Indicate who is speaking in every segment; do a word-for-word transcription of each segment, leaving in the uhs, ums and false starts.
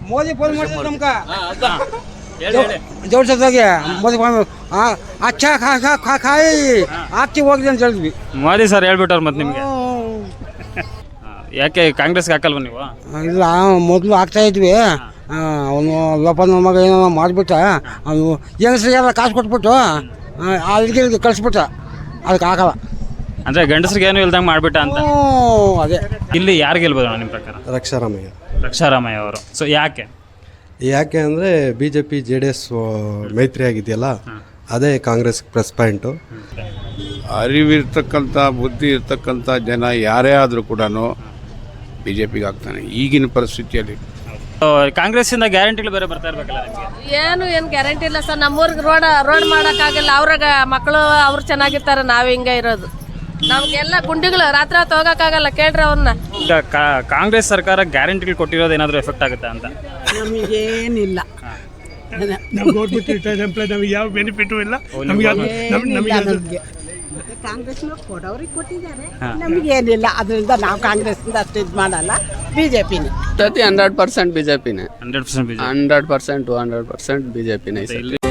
Speaker 1: Modi phone ಮಾಡಿದ್ರು ನಮ್ಗೆ ಜೋಡ್ಸೋದಾಗೆ Modi phone ಅಚ್ಚ ಖಾ ಖಾ ಖಾ ಖಾಯಿ ಆಗ್ತಿ ಹೋಗಿದೆ ಅಂತ ಹೇಳಿದ್ವಿ.
Speaker 2: ಮೋದಿ ಸರ್ ಹೇಳ್ಬಿಟ್ಟವ್ರು ಮತ್ತೆ ನಿಮಗೆ ಯಾಕೆ ಕಾಂಗ್ರೆಸ್ಗೆ ಹಾಕಲ್ವ ನೀವು?
Speaker 1: ಇಲ್ಲ ಮೊದಲು ಆಗ್ತಾ ಇದ್ವಿ, ಅವನು ಲೋಪನ ಮಗ ಏನೋ ಮಾಡಿಬಿಟ್ಟ, ಅವನು ಹೆಂಗಸ್ರಿಗೆಲ್ಲ ಕಾಸು ಕೊಟ್ಬಿಟ್ಟು ಅಲ್ಲಿಗೆ ಕಳಿಸ್ಬಿಟ್ಟ, ಅದಕ್ಕೆ ಆಗಲ್ಲ.
Speaker 2: ಅಂದರೆ ಗಂಡಸ್ರಿಗೆ ಏನು ಇಲ್ದಂಗೆ ಮಾಡಿಬಿಟ್ಟ ಅಂತ.
Speaker 1: ಅದೇ
Speaker 2: ಇಲ್ಲಿ ಯಾರು ಗೆಲ್ಬೋದು ನಿಮ್ಮ ಪ್ರಕಾರ?
Speaker 3: ರಕ್ಷಾರಾಮಯ್ಯ
Speaker 2: ರಕ್ಷಾರಾಮಯ್ಯ ಅವರು. ಸೊ ಯಾಕೆ
Speaker 3: ಯಾಕೆ ಅಂದರೆ B J P J D S ಮೈತ್ರಿ ಆಗಿದೆಯಲ್ಲ, ಅದೇ ಕಾಂಗ್ರೆಸ್ ಪ್ಲಸ್ ಪಾಯಿಂಟು.
Speaker 4: ಅರಿವಿರ್ತಕ್ಕಂಥ ಬುದ್ಧಿ ಇರ್ತಕ್ಕಂಥ ಜನ ಯಾರೇ ಆದರೂ ಕೂಡ ಬಿ ಜೆ ಪಿಗೆ ಆಗ್ತಾನೆ ಈಗಿನ ಪರಿಸ್ಥಿತಿಯಲ್ಲಿ.
Speaker 2: ಕಾಂಗ್ರೆಸ್ಸಿಂದ ಗ್ಯಾರಂಟಿಗಳು ಬೇರೆ ಬರ್ತಾ ಇರ್ಬೇಕಲ್ಲ ನಿಮಗೆ?
Speaker 5: ಏನು ಏನು ಗ್ಯಾರಂಟಿ ಇಲ್ಲ ಸರ್. ನಮ್ಮೂರಿಗೆ ರೋಡ್ ರೋಡ್ ಮಾಡೋಕ್ಕಾಗಲ್ಲ. ಅವ್ರಾಗ ಮಕ್ಕಳು ಅವ್ರು ಚೆನ್ನಾಗಿರ್ತಾರೆ, ನಾವು ಹಿಂಗೆ ಇರೋದು. ನಮಗೆಲ್ಲ ಗುಂಡಿಗಳು ರಾತ್ರಿ ಹೊತ್ತು ಹೋಗೋಕ್ಕಾಗಲ್ಲ, ಕೇಳ್ರಿ ಅವ್ರನ್ನ.
Speaker 2: ಈಗ ಕಾಂಗ್ರೆಸ್ ಸರ್ಕಾರ ಗ್ಯಾರಂಟಿಗಳು ಕೊಟ್ಟಿರೋದು ಏನಾದರೂ ಎಫೆಕ್ಟ್ ಆಗುತ್ತಾ ಅಂತ?
Speaker 6: ನಮಗೇನಿಲ್ಲ,
Speaker 7: ನಾವು ಗೌರ್ಮೆಂಟ್ ರಿಟೈರ್ಡ್ ಎಂಪ್ಲಾಯ್, ನಮಗೆ ಯಾವ ಬೆನಿಫಿಟು ಇಲ್ಲ. ನಮಗೆ
Speaker 6: ಕಾಂಗ್ರೆಸ್ನವ್ರು ಕೊಡೋರಿಗೆ ಕೊಟ್ಟಿದ್ದಾರೆ, ನಮಗೇನಿಲ್ಲ. ಅದರಿಂದ ನಾವು ಕಾಂಗ್ರೆಸ್ನಿಂದ ಅಷ್ಟು ಇದು ಮಾಡಲ್ಲ, ಬಿ ಜೆ ಪಿನೇ
Speaker 8: thirty hundred percent B J ಪಿನೇ
Speaker 2: hundred percent
Speaker 8: hundred percent to hundred percent B J ಪಿನೇ.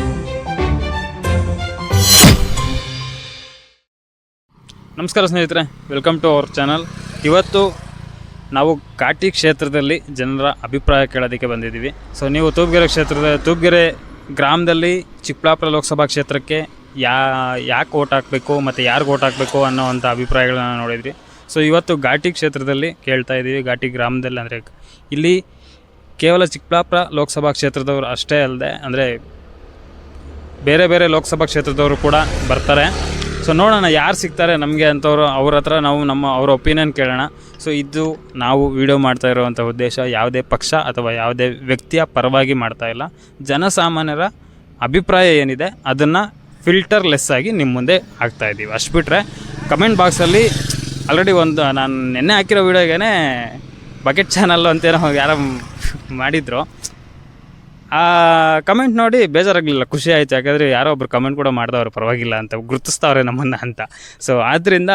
Speaker 2: ನಮಸ್ಕಾರ ಸ್ನೇಹಿತರೆ, ವೆಲ್ಕಮ್ ಟು ಅವರ್ ಚಾನಲ್. ಇವತ್ತು ನಾವು ಘಾಟಿ ಕ್ಷೇತ್ರದಲ್ಲಿ ಜನರ ಅಭಿಪ್ರಾಯ ಕೇಳೋದಕ್ಕೆ ಬಂದಿದ್ದೀವಿ. ಸೊ ನೀವು ತೂಪ್ಗೆರೆ ಕ್ಷೇತ್ರದ ತೂಪ್ಗೆರೆ ಗ್ರಾಮದಲ್ಲಿ ಚಿಕ್ಕಬಳ್ಳಾಪುರ ಲೋಕಸಭಾ ಕ್ಷೇತ್ರಕ್ಕೆ ಯಾ ಯಾಕೆ ಓಟ್ ಹಾಕಬೇಕು ಮತ್ತು ಯಾರಿಗೆ ಓಟ್ ಹಾಕಬೇಕು ಅನ್ನೋವಂಥ ಅಭಿಪ್ರಾಯಗಳನ್ನ ನೋಡಿದ್ರಿ. ಸೊ ಇವತ್ತು ಘಾಟಿ ಕ್ಷೇತ್ರದಲ್ಲಿ ಕೇಳ್ತಾ ಇದ್ದೀವಿ. ಘಾಟಿ ಗ್ರಾಮದಲ್ಲಿ ಅಂದರೆ ಇಲ್ಲಿ ಕೇವಲ ಚಿಕ್ಕಬಳ್ಳಾಪುರ ಲೋಕಸಭಾ ಕ್ಷೇತ್ರದವರು ಅಷ್ಟೇ ಅಲ್ಲದೆ ಅಂದರೆ ಬೇರೆ ಬೇರೆ ಲೋಕಸಭಾ ಕ್ಷೇತ್ರದವರು ಕೂಡ ಬರ್ತಾರೆ. ಸೊ ನೋಡೋಣ ಯಾರು ಸಿಗ್ತಾರೆ ನಮಗೆ ಅಂಥವ್ರು, ಅವ್ರ ಹತ್ರ ನಾವು ನಮ್ಮ ಅವರ ಒಪಿನಿಯನ್ ಕೇಳೋಣ. ಸೊ ಇದು ನಾವು ವಿಡಿಯೋ ಮಾಡ್ತಾ ಇರುವಂಥ ಉದ್ದೇಶ ಯಾವುದೇ ಪಕ್ಷ ಅಥವಾ ಯಾವುದೇ ವ್ಯಕ್ತಿಯ ಪರವಾಗಿ ಮಾಡ್ತಾ ಇಲ್ಲ. ಜನಸಾಮಾನ್ಯರ ಅಭಿಪ್ರಾಯ ಏನಿದೆ ಅದನ್ನು ಫಿಲ್ಟರ್ಲೆಸ್ ಆಗಿ ನಿಮ್ಮ ಮುಂದೆ ಹಾಕ್ತಾ ಇದ್ದೀವಿ. ಅಷ್ಟು ಬಿಟ್ಟರೆ ಕಮೆಂಟ್ ಬಾಕ್ಸಲ್ಲಿ ಆಲ್ರೆಡಿ ಒಂದು ನಾನು ನೆನ್ನೆ ಹಾಕಿರೋ ವೀಡಿಯೋಗೇ ಬಕೆಟ್ ಚಾನಲ್ಲು ಅಂತೇನೋ ಯಾರೋ ಮಾಡಿದರು. ಆ ಕಮೆಂಟ್ ನೋಡಿ ಬೇಜಾರಾಗಲಿಲ್ಲ, ಖುಷಿ ಆಯಿತು. ಯಾಕಂದರೆ ಯಾರೋ ಒಬ್ರು ಕಮೆಂಟ್ ಕೂಡ ಮಾಡಿದವ್ರು ಪರವಾಗಿಲ್ಲ ಅಂತ, ಗುರುತಿಸ್ತಾವ್ರೆ ನಮ್ಮನ್ನು ಅಂತ. ಸೊ ಆದ್ದರಿಂದ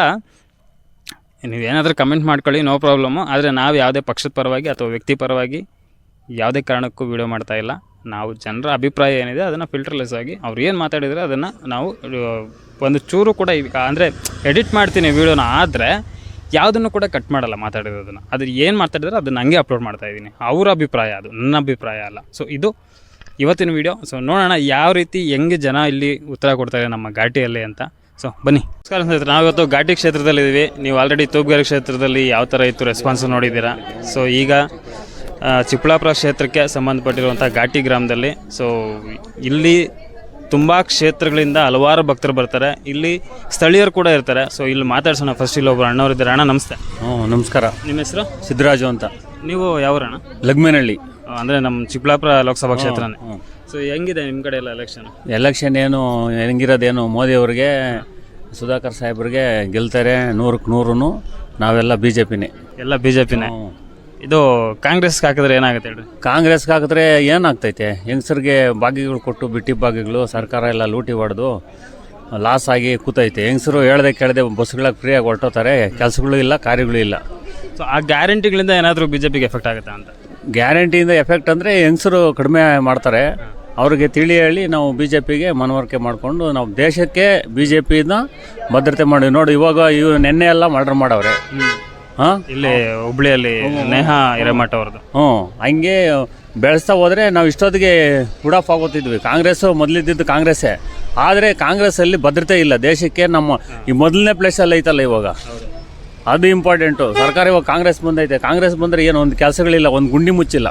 Speaker 2: ನೀವೇನಾದರೂ ಕಮೆಂಟ್ ಮಾಡ್ಕೊಳ್ಳಿ, ನೋ ಪ್ರಾಬ್ಲಮ್ಮು. ಆದರೆ ನಾವು ಯಾವುದೇ ಪಕ್ಷದ ಪರವಾಗಿ ಅಥವಾ ವ್ಯಕ್ತಿ ಪರವಾಗಿ ಯಾವುದೇ ಕಾರಣಕ್ಕೂ ವೀಡಿಯೋ ಮಾಡ್ತಾಯಿಲ್ಲ. ನಾವು ಜನರ ಅಭಿಪ್ರಾಯ ಏನಿದೆ ಅದನ್ನು ಫಿಲ್ಟರ್ಲೆಸ್ ಆಗಿ ಅವ್ರು ಏನು ಮಾತಾಡಿದರೆ ಅದನ್ನು ನಾವು ಒಂದು ಚೂರು ಕೂಡ ಈಗ ಅಂದರೆ ಎಡಿಟ್ ಮಾಡ್ತೀನಿ ವೀಡಿಯೋನ, ಆದರೆ ಯಾವುದನ್ನು ಕೂಡ ಕಟ್ ಮಾಡಲ್ಲ ಮಾತಾಡಿರೋದನ್ನು. ಅದು ಏನು ಮಾತಾಡಿದ್ರೆ ಅದನ್ನು ಹಂಗೆ ಅಪ್ಲೋಡ್ ಮಾಡ್ತಾಯಿದ್ದೀನಿ. ಅವರ ಅಭಿಪ್ರಾಯ, ಅದು ನನ್ನ ಅಭಿಪ್ರಾಯ ಅಲ್ಲ. ಸೊ ಇದು ಇವತ್ತಿನ ವೀಡಿಯೋ. ಸೊ ನೋಡೋಣ ಯಾವ ರೀತಿ ಹೆಂಗೆ ಜನ ಇಲ್ಲಿ ಉತ್ತರ ಕೊಡ್ತಾರೆ ನಮ್ಮ ಘಾಟಿಯಲ್ಲಿ ಅಂತ. ಸೊ ಬನ್ನಿ. ನಮಸ್ಕಾರ ಸ್ನೇಹಿತರೆ, ನಾವಿವತ್ತು ಘಾಟಿ ಕ್ಷೇತ್ರದಲ್ಲಿದ್ದೀವಿ. ನೀವು ಆಲ್ರೆಡಿ ತೂಪ್ಗೆರೆ ಕ್ಷೇತ್ರದಲ್ಲಿ ಯಾವ ಥರ ಇತ್ತು ರೆಸ್ಪಾನ್ಸ್ ನೋಡಿದ್ದೀರಾ. ಸೊ ಈಗ ಚಿಕ್ಕಬಳ್ಳಾಪುರ ಕ್ಷೇತ್ರಕ್ಕೆ ಸಂಬಂಧಪಟ್ಟಿರುವಂಥ ಘಾಟಿ ಗ್ರಾಮದಲ್ಲಿ ಸೊ ಇಲ್ಲಿ ತುಂಬ ಕ್ಷೇತ್ರಗಳಿಂದ ಹಲವಾರು ಭಕ್ತರು ಬರ್ತಾರೆ. ಇಲ್ಲಿ ಸ್ಥಳೀಯರು ಕೂಡ ಇರ್ತಾರೆ. ಸೊ ಇಲ್ಲಿ ಮಾತಾಡ್ಸೋಣ. ಫಸ್ಟ್ ಇಲ್ಲಿ ಒಬ್ಬರು ಅಣ್ಣವರಿದ್ದಾರೆ. ಅಣ್ಣ ನಮಸ್ತೆ.
Speaker 9: ಹ್ಞೂ ನಮಸ್ಕಾರ.
Speaker 2: ನಿಮ್ಮ ಹೆಸರು?
Speaker 9: ಸಿದ್ದರಾಜು ಅಂತ.
Speaker 2: ನೀವು ಯಾವರಣ್ಣ?
Speaker 9: ಲಗ್ಮೇನಹಳ್ಳಿ,
Speaker 2: ಅಂದರೆ ನಮ್ಮ ಚಿಕ್ಕಬಳ್ಳಾಪುರ ಲೋಕಸಭಾ ಕ್ಷೇತ್ರನೇ. ಸೊ ಹೆಂಗಿದೆ ನಿಮ್ಮ ಕಡೆ ಎಲ್ಲ ಎಲೆಕ್ಷನ್?
Speaker 9: ಎಲೆಕ್ಷನ್ ಏನು ಹೆಂಗಿರೋದೇನು, ಮೋದಿಯವ್ರಿಗೆ ಸುಧಾಕರ್ ಸಾಹೇಬ್ರಿಗೆ ಗೆಲ್ತಾರೆ ನೂರಕ್ಕೆ ನೂರು. ನಾವೆಲ್ಲ ಬಿ ಜೆ ಪಿನೇ.
Speaker 2: ಎಲ್ಲ ಬಿ ಜೆ ಪಿನೇ. ಇದು ಕಾಂಗ್ರೆಸ್ಗೆ ಹಾಕಿದ್ರೆ ಏನಾಗುತ್ತೆ ಹೇಳ್ರಿ?
Speaker 9: ಕಾಂಗ್ರೆಸ್ಗೆ ಹಾಕಿದ್ರೆ ಏನಾಗ್ತೈತೆ, ಹೆಂಗಸರಿಗೆ ಭಾಗ್ಯಗಳು ಕೊಟ್ಟು ಬಿಟ್ಟಿ ಭಾಗ್ಯಗಳು ಸರ್ಕಾರ ಎಲ್ಲ ಲೂಟಿ ಹೊಡೆದು ಲಾಸ್ ಆಗಿ ಕೂತೈತೆ. ಹೆಂಗಸರು ಹೇಳ್ದೆ ಕೇಳದೆ ಬಸ್ಗಳಿಗೆ ಫ್ರೀಯಾಗಿ ಹೊರಟೋತಾರೆ, ಕೆಲಸಗಳು ಇಲ್ಲ, ಕಾರ್ಯಗಳು ಇಲ್ಲ.
Speaker 2: ಸೊ ಆ ಗ್ಯಾರಂಟಿಗಳಿಂದ ಏನಾದರೂ ಬಿ ಜೆ ಪಿಗೆ ಎಫೆಕ್ಟ್ ಆಗುತ್ತಾ ಅಂತ?
Speaker 9: ಗ್ಯಾರಂಟಿಯಿಂದ ಎಫೆಕ್ಟ್ ಅಂದರೆ ಹೆಂಗಸರು ಕಡಿಮೆ ಮಾಡ್ತಾರೆ. ಅವ್ರಿಗೆ ತಿಳಿ ಹೇಳಿ ನಾವು ಬಿ ಜೆ ಪಿಗೆ ಮನವರಿಕೆ ಮಾಡಿಕೊಂಡು ನಾವು ದೇಶಕ್ಕೆ ಬಿ ಜೆ ಪಿನ ಭದ್ರತೆ ಮಾಡಿ. ನೋಡಿ ಇವಾಗ ಇವು ನೆನ್ನೆ ಎಲ್ಲ ಮರ್ಡರ್ ಮಾಡವ್ರೆ. ಹಾಂ,
Speaker 2: ಇಲ್ಲಿ ಹುಬ್ಳಿಯಲ್ಲಿ ನೇಹಾ ಹಿರೇಮಠ ಅವ್ರದ್ದು.
Speaker 9: ಹ್ಞೂ, ಹಂಗೆ ಬೆಳೆಸ್ತಾ ಹೋದರೆ ನಾವು ಇಷ್ಟೊತ್ತಿಗೆ ಉಡಾಫ್ ಆಗೋತಿದ್ವಿ. ಕಾಂಗ್ರೆಸ್ಸು ಮೊದಲಿದ್ದಿದ್ದು ಕಾಂಗ್ರೆಸ್ಸೇ, ಆದರೆ ಕಾಂಗ್ರೆಸ್ಸಲ್ಲಿ ಭದ್ರತೆ ಇಲ್ಲ ದೇಶಕ್ಕೆ. ನಮ್ಮ ಈ ಮೊದಲನೇ ಪ್ಲೇಸಲ್ಲಿ ಐತಲ್ಲ ಇವಾಗ, ಅದು ಇಂಪಾರ್ಟೆಂಟು. ಸರ್ಕಾರ ಇವಾಗ ಕಾಂಗ್ರೆಸ್ ಬಂದೈತೆ. ಕಾಂಗ್ರೆಸ್ ಬಂದರೆ ಏನು ಒಂದು ಕೆಲಸಗಳಿಲ್ಲ, ಒಂದು ಗುಂಡಿ ಮುಚ್ಚಿಲ್ಲ.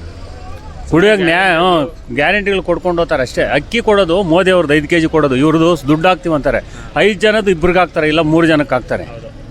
Speaker 9: ಕುಡಿಯೋಕೆ ನ್ಯಾಯ ಗ್ಯಾರಂಟಿಗಳು ಕೊಡ್ಕೊಂಡು ಹೋಗ್ತಾರೆ ಅಷ್ಟೇ. ಅಕ್ಕಿ ಕೊಡೋದು ಮೋದಿ ಅವ್ರದ್ದು ಐದು ಕೆ ಜಿ ಕೊಡೋದು, ಇವ್ರದ್ದು ದುಡ್ಡು ಹಾಕ್ತೀವಿ ಅಂತಾರೆ. ಐದು ಜನದ್ದು ಇಬ್ಬರಿಗೆ ಹಾಕ್ತಾರೆ, ಇಲ್ಲ ಮೂರು ಜನಕ್ಕೆ ಹಾಕ್ತಾರೆ.